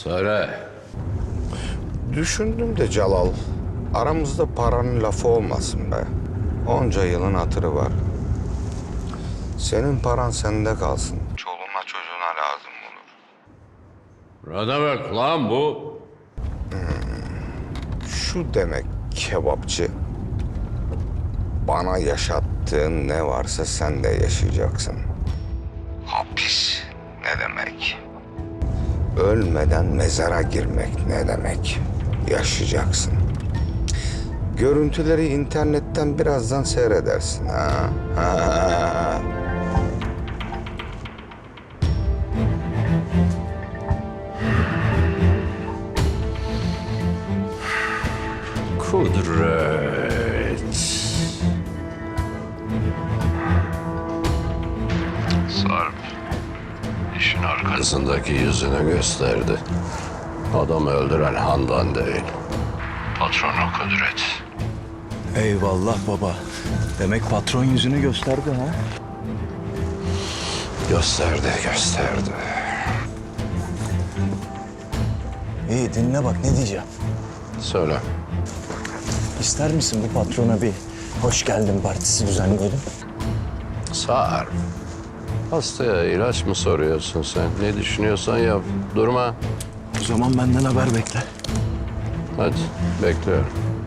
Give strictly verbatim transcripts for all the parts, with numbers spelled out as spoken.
Söyle. Düşündüm de Celal, aramızda paranın lafı olmasın be. Onca yılın hatırı var. Senin paran sende kalsın. Çoluğuna çocuğuna lazım olur. Ne demek lan bu? Şu demek kebapçı. Bana yaşattığın ne varsa sen de yaşayacaksın. Hapis ne demek? Ölmeden mezara girmek ne demek? Yaşayacaksın. Görüntüleri internetten birazdan seyredersin ha. ha. Kudret. Sarp, işin arkasındaki yüzünü gösterdi. Adamı öldüren Handan değil, patronu Kudret. Eyvallah baba. Demek patron yüzünü gösterdi ha? Gösterdi, gösterdi. İyi dinle bak ne diyeceğim. Söyle. İster misin bu patrona bir hoş geldin partisi düzenleyelim? Sarp, hastaya ilaç mı soruyorsun sen? Ne düşünüyorsan yap, durma. O zaman benden haber bekle. Hadi, bekliyorum.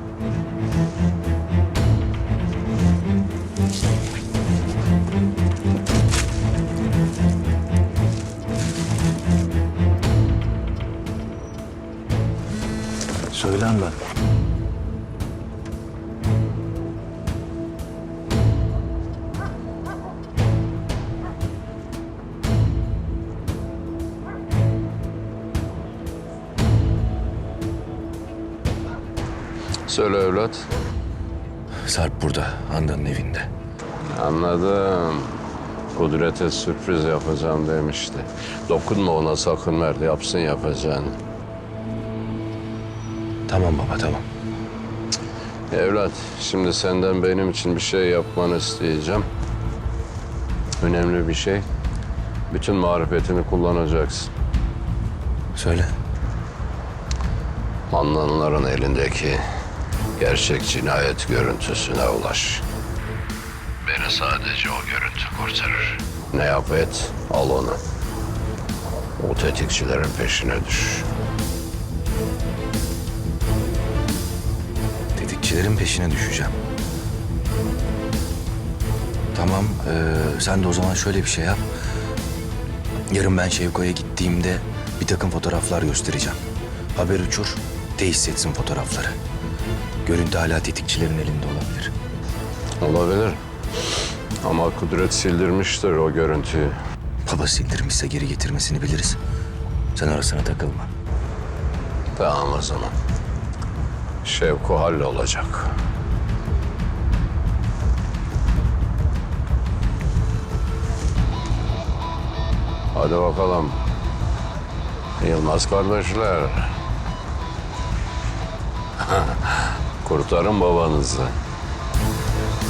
Söylen ben. Söyle evlat. Sarp burada, Handan'ın evinde. Anladım. Kudret'e sürpriz yapacağım demişti. Dokunma ona sakın ver, yapsın yapacağını. Tamam baba, tamam. Evlat, şimdi senden benim için bir şey yapmanı isteyeceğim. Önemli bir şey. Bütün marifetini kullanacaksın. Söyle. Handanların elindeki gerçek cinayet görüntüsüne ulaş. Beni sadece o görüntü kurtarır. Ne yap et, al onu. O tetikçilerin peşine düş. Tetikçilerin peşine düşeceğim. Tamam, ee, sen de o zaman şöyle bir şey yap. Yarın ben Şevko'ya gittiğimde bir takım fotoğraflar göstereceğim. Haber uçur, tesis etsin fotoğrafları. Görüntü hala tetikçilerin elinde olabilir. Olabilir. Ama Kudret sildirmiştir o görüntüyü. Baba sildirmişse geri getirmesini biliriz. Sen arasına takılma. Tamam o zaman. Şevko hallolacak. Hadi bakalım. Yılmaz kardeşler. Kurtarın babanızı.